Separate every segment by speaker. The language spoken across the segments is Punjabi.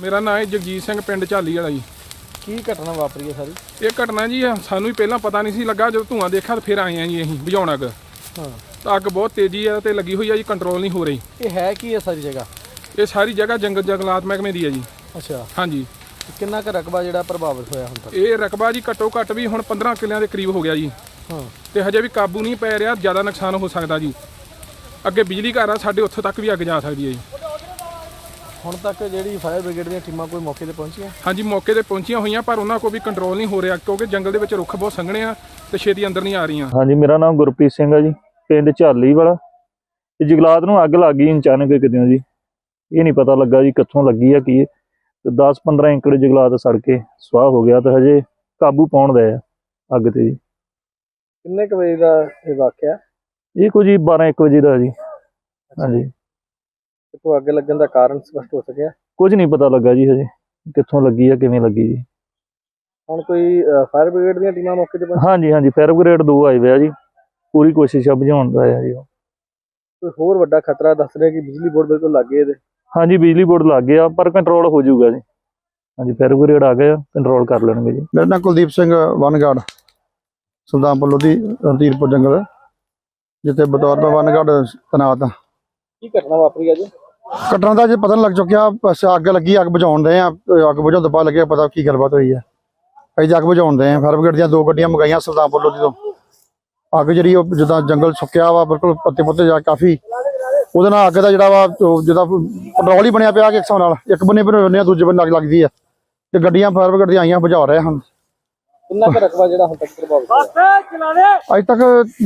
Speaker 1: ਮੇਰਾ ਨਾਮ ਹੈ ਜਗਜੀਤ ਸਿੰਘ, ਪਿੰਡ ਝਾਲੀ ਵਾਲਾ ਜੀ।
Speaker 2: ਕੀ ਘਟਨਾ ਵਾਪਰੀ ਹੈ ਸਾਰੀ?
Speaker 1: ਇਹ ਘਟਨਾ ਜੀ ਸਾਨੂੰ ਵੀ ਪਹਿਲਾਂ ਪਤਾ ਨਹੀਂ ਸੀ ਲੱਗਾ, ਜਦੋਂ ਧੂੰਆਂ ਦੇਖਿਆ ਤਾਂ ਫਿਰ ਆਏ ਆ ਜੀ ਅਸੀਂ ਬੁਝਾਉਣ ਅੱਗ।
Speaker 2: ਹਾਂ,
Speaker 1: ਤਾਂ ਅੱਗ ਬਹੁਤ ਤੇਜ਼ੀ ਆ ਤੇ ਲੱਗੀ ਹੋਈ ਆ ਜੀ, ਕੰਟਰੋਲ ਨਹੀਂ ਹੋ ਰਹੀ।
Speaker 2: ਇਹ ਹੈ ਕੀ ਹੈ ਸਾਰੀ ਜਗ੍ਹਾ?
Speaker 1: ਇਹ ਸਾਰੀ ਜਗ੍ਹਾ ਜੰਗਲਾਤ ਮਹਿਕਮੇ ਦੀ ਹੈ ਜੀ।
Speaker 2: ਅੱਛਾ,
Speaker 1: ਹਾਂਜੀ।
Speaker 2: ਕਿੰਨਾ ਕੁ ਰਕਬਾ ਜਿਹੜਾ ਪ੍ਰਭਾਵਿਤ ਹੋਇਆ ਹੁਣ ਤੱਕ?
Speaker 1: ਇਹ ਰਕਬਾ ਜੀ ਘੱਟੋ ਘੱਟ ਵੀ ਹੁਣ 15 ਕਿੱਲਿਆਂ ਦੇ ਕਰੀਬ ਹੋ ਗਿਆ ਜੀ।
Speaker 2: ਹਾਂ,
Speaker 1: ਤੇ ਹਜੇ ਵੀ ਕਾਬੂ ਨਹੀਂ ਪੈ ਰਿਹਾ, ਜ਼ਿਆਦਾ ਨੁਕਸਾਨ ਹੋ ਸਕਦਾ ਜੀ। ਅੱਗੇ ਬਿਜਲੀ ਘਰ ਆ ਸਾਡੇ, ਉੱਥੋਂ ਤੱਕ ਵੀ ਅੱਗ ਜਾ ਸਕਦੀ ਹੈ ਜੀ।
Speaker 2: ਹੁਣ ਤੱਕ ਜਿਹੜੀ ਫਾਇਰ ਬ੍ਰਿਗੇਡ ਦੀਆਂ ਟੀਮਾਂ ਕੋਈ ਮੌਕੇ ਤੇ ਪਹੁੰਚੀਆਂ?
Speaker 1: ਹਾਂਜੀ, ਮੌਕੇ ਤੇ ਪਹੁੰਚੀਆਂ ਹੋਈਆਂ, ਪਰ ਉਹਨਾਂ ਕੋਲ ਵੀ ਕੰਟਰੋਲ ਨਹੀਂ ਹੋ ਰਿਹਾ, ਕਿਉਂਕਿ ਜੰਗਲ ਦੇ ਵਿੱਚ ਰੁੱਖ ਬਹੁਤ ਸੰਘਣੇ ਆ ਤੇ ਛੇਤੀ ਅੰਦਰ ਨਹੀਂ ਆ ਰਹੀਆਂ।
Speaker 3: ਹਾਂਜੀ, ਮੇਰਾ ਨਾਮ ਗੁਰਪ੍ਰੀਤ ਸਿੰਘ ਹੈ ਜੀ, ਪਿੰਡ ਝਾਲੀ ਵਾਲਾ। ਤੇ ਜੰਗਲਾਤ ਨੂੰ ਅੱਗ ਲੱਗ ਗਈ ਅਚਾਨਕ ਕਿਤੇ ਜੀ, ਇਹ ਨਹੀਂ ਪਤਾ ਲੱਗਾ ਜੀ ਕਿੱਥੋਂ ਲੱਗੀ ਆ ਕੀ। ਤੇ 10-15 ਏਕੜ ਜੰਗਲਾਤ ਸੜ ਕੇ ਸੁਆਹ ਹੋ ਗਿਆ, ਤੇ ਹਜੇ ਕਾਬੂ ਪਾਉਣ ਦਾ ਆ ਅੱਗ ਤੇ ਜੀ।
Speaker 2: ਕਿੰਨੇ ਕੁ ਵਜੇ ਦਾ ਇਹ ਵਾਕਿਆ?
Speaker 3: ਇਹ ਕੁਝ 12-1 ਵਜੇ ਦਾ ਜੀ। ਹਾਂਜੀ,
Speaker 2: ਕਿਤੋਂ ਅੱਗ ਲੱਗਣ ਦਾ ਕਾਰਨ ਸਪਸ਼ਟ ਹੋ ਸਕਿਆ?
Speaker 3: ਕੁਝ ਨਹੀਂ ਪਤਾ ਲੱਗਾ ਜੀ ਹਜੇ ਕਿੱਥੋਂ ਲੱਗੀ ਆ, ਕਿਵੇਂ ਲੱਗੀ ਜੀ।
Speaker 2: ਹੁਣ ਕੋਈ ਫਾਇਰ ਬ੍ਰਿਗੇਡ ਦੀਆਂ ਟੀਮਾਂ ਮੌਕੇ ਤੇ ਪਹੁੰਚੀਆਂ?
Speaker 3: ਹਾਂਜੀ, ਫਾਇਰ ਬ੍ਰਿਗੇਡ 2 ਆਏ ਹੋਏ ਆ ਜੀ, ਪੂਰੀ ਕੋਸ਼ਿਸ਼ ਆ ਬੁਝਾਉਣ ਦਾ ਆ ਜੀ।
Speaker 2: ਕੋਈ ਹੋਰ ਵੱਡਾ ਖਤਰਾ ਦੱਸ ਰਿਹਾ ਕਿ ਬਿਜਲੀ ਬੋਰਡ ਬਿਲਕੁਲ ਲੱਗੇ ਇਹਦੇ?
Speaker 3: ਹਾਂਜੀ, ਬਿਜਲੀ ਬੋਰਡ ਲੱਗ ਗਿਆ, ਪਰ ਕੰਟਰੋਲ ਹੋ ਜਾਊਗਾ ਜੀ। ਹਾਂਜੀ, ਫਾਇਰ ਬ੍ਰਿਗੇਡ ਆ ਗਏ, ਕੰਟਰੋਲ ਕਰ ਲੈਣਗੇ ਜੀ।
Speaker 4: ਮੇਰਾ ਨਾਮ ਕੁਲਦੀਪ ਸਿੰਘ, ਵਨਗਾਰਡ, ਸੁਲਤਾਨਪੁਰ ਲੋਧੀ, ਰਣਧੀਰਪੁਰ ਜੰਗਲ, ਜਿੱਥੇ ਬਤੌਰ ਮੈਂ ਵਨਗਾਰਡ ਤੈਨਾਤ ਹਾਂ।
Speaker 2: ਕੀ ਘਟਨਾ ਵਾਪਰੀ ਅੱਜ?
Speaker 4: ਘਟਨਾ ਦਾ ਜੇ ਪਤਾ ਨਹੀਂ ਲੱਗ ਚੁੱਕਿਆ, ਬਸ ਅੱਗ ਲੱਗੀ, ਅੱਗ ਬੁਝਾਉਣ ਦੇ ਆ। ਅੱਗ ਬੁਝਾਉਣ ਤੋਂ ਬਾਅਦ ਲੱਗਿਆ ਪਤਾ ਕੀ ਗੱਲਬਾਤ ਹੋਈ ਹੈ। ਅਸੀਂ ਅੱਗ ਬੁਝਾਉਣ ਦੇ ਆ, ਫਾਇਰ ਬ੍ਰਿਗੇਡ ਦੀਆਂ 2 ਗੱਡੀਆਂ ਮੰਗਾਈਆਂ ਸੁਲਤਾਨਪੁਰ ਲੋਧੀ ਤੋਂ। ਅੱਗ ਜਿਹੜੀ ਉਹ ਜਿੱਦਾਂ ਜੰਗਲ ਸੁੱਕਿਆ ਵਾ, ਬਿਲਕੁਲ ਪੱਤੇ ਪੁੱਤੇ ਜਾ ਕਾਫੀ, ਉਹਦੇ ਨਾਲ ਅੱਗ ਦਾ ਜਿਹੜਾ ਵਾ ਜਿੱਦਾਂ ਪੈਟਰੋਲ ਹੀ ਬਣਿਆ ਪਿਆ ਕਿ ਹਿਸਾਬ ਨਾਲ, ਇੱਕ ਬੰਨੇ ਬਣਾਉਂਦੇ ਆ, ਦੂਜੇ ਬੰਨੇ ਅੱਗ ਲੱਗਦੀ ਹੈ। ਤੇ ਗੱਡੀਆਂ ਫਾਇਰ ਬ੍ਰਿਗੇਡ ਦੀਆਂ ਆਈਆਂ, ਬੁਝਾ ਰਹੇ ਹਨ।
Speaker 2: ਕਿੰਨਾ ਕੁ ਰਕਬਾ ਜਿਹੜਾ ਹੁਣ ਤੱਕ ਪ੍ਰਭਾਵਿਤ ਹੋਇਆ?
Speaker 4: ਅੱਜ ਤੱਕ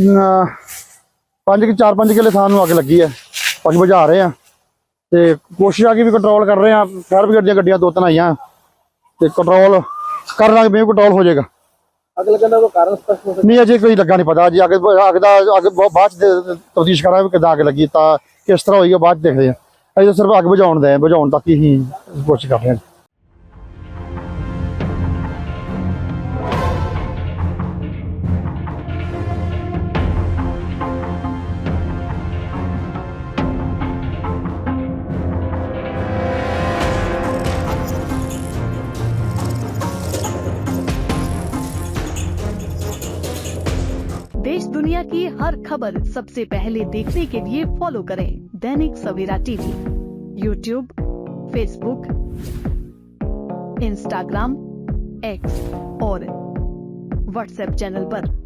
Speaker 4: 4-5 ਕਿੱਲੇ ਥਾਂ ਨੂੰ ਅੱਗ ਲੱਗੀ ਹੈ, ਅੱਗ ਬੁਝਾ ਰਹੇ ਆ। ਤੇ ਕੋਸ਼ਿਸ਼ ਆ ਕਿ ਵੀ ਕੰਟਰੋਲ ਕਰ ਰਹੇ ਆ। ਫਾਇਰ ਬ੍ਰਿਗੇਡ ਦੀਆਂ ਗੱਡੀਆਂ 2-3 ਆਈਆਂ, ਤੇ ਕੰਟਰੋਲ ਕਰ ਲਾਂਗੇ, ਵੀ ਕੰਟਰੋਲ ਹੋ ਜਾਏਗਾ।
Speaker 2: ਅੱਗ ਲੱਗਣ ਦਾ ਕੋਈ ਕਾਰਨ ਸਪਸ਼ਟ ਹੋ ਸਕਿਆ?
Speaker 4: ਨਹੀਂ, ਅਜੇ ਕੋਈ ਲੱਗਾ ਨਹੀਂ ਪਤਾ ਜੀ। ਅੱਗ ਬਾਅਦ ਚ ਤਫਤੀਸ਼ ਕਰਾਂਗੇ ਕਿੱਦਾਂ ਅੱਗ ਲੱਗੀ, ਤਾਂ ਕਿਸ ਤਰ੍ਹਾਂ ਹੋਈ, ਬਾਅਦ ਚ ਦੇਖਦੇ ਆ। ਅਜੇ ਤਾਂ ਸਿਰਫ ਅੱਗ ਬੁਝਾਉਣ ਤੱਕ ਹੀ ਕੋਸ਼ਿਸ਼ ਕਰ ਰਹੇ ਹਾਂ।
Speaker 5: देश दुनिया की हर खबर सबसे पहले देखने के लिए फॉलो करें Dainik Savera TV, YouTube, Facebook, Instagram, X और व्हाट्सएप चैनल पर।